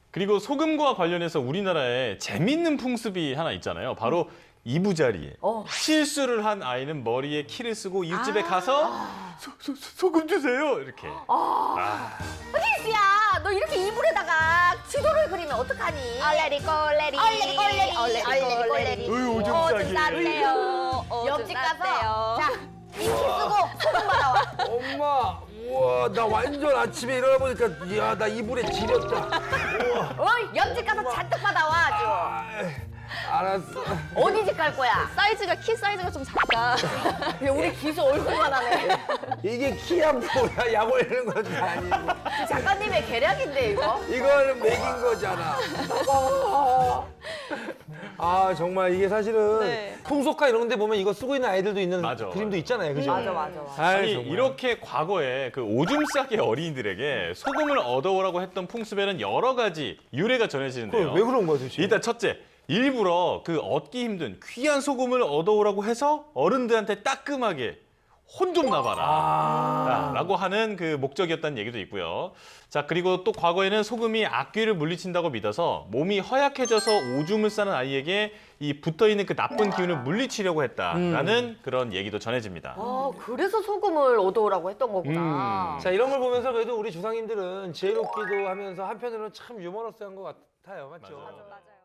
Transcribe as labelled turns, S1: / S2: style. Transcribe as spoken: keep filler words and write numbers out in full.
S1: 그리고 소금과 관련해서 우리나라에 재밌는 풍습이 하나 있잖아요. 바로 이부자리에
S2: 어.
S1: 실수를 한 아이는 머리에 키를 쓰고 이웃집에 가서 소, 소, 소, 소금 주세요 이렇게. 아.
S2: 휘스야, 너 이렇게 이불에다가 지도를 그리면 어떡하니?
S3: 얼레리 꼴레리
S2: 얼레리 꼴레리
S3: 얼레리
S2: 얼레리
S3: 꼴레리
S1: 어이, 오줌 싸게.
S3: 쌌대요.
S2: 옆집 가서
S3: 자
S2: 자, 이 키 쓰고 소금 받아와.
S4: 엄마, 우와, 나 완전 아침에 일어나 보니까 이야, 나 이불에 지렸다.
S2: 어이, 옆집 가서 잔뜩 받아와 아주.
S4: 아, 알았어.
S2: 어디 집 갈 거야?
S3: 사이즈가 키 사이즈가 좀 작다.
S2: 야, 우리 기수 얼굴만 하네.
S4: 이게 키야 뭐야? 약 올리는 것도 아니고.
S2: 작가님의 계략인데 이거?
S4: 이거는 먹인 거잖아. 아, 정말 이게 사실은
S3: 네.
S4: 풍속가 이런 데 보면 이거 쓰고 있는 아이들도 있는
S1: 맞아,
S4: 그림도
S1: 맞아.
S4: 있잖아요. 그죠?
S2: 맞아 맞아 맞아.
S4: 아이,
S1: 아니
S4: 정말.
S1: 이렇게 과거에 그 오줌 싸기 어린이들에게 소금을 얻어오라고 했던 풍습에는 여러 가지 유래가 전해지는데요.
S4: 그럼 왜 그런 거야, 도대체?
S1: 일단 첫째, 일부러 그 얻기 힘든 귀한 소금을 얻어오라고 해서 어른들한테 따끔하게 혼 좀 나봐라
S4: 아.
S1: 라고 하는 그 목적이었다는 얘기도 있고요. 자, 그리고 또 과거에는 소금이 악귀를 물리친다고 믿어서 몸이 허약해져서 오줌을 싸는 아이에게 이 붙어있는 그 나쁜 기운을 물리치려고 했다라는 그런 얘기도 전해집니다.
S2: 아, 그래서 소금을 얻어오라고 했던 거구나.
S4: 자, 이런 걸 보면서 그래도 우리 조상님들은 지혜롭기도 하면서 한편으로는 참 유머러스한 것 같아요. 맞죠?
S1: 맞아요.
S3: 맞아요.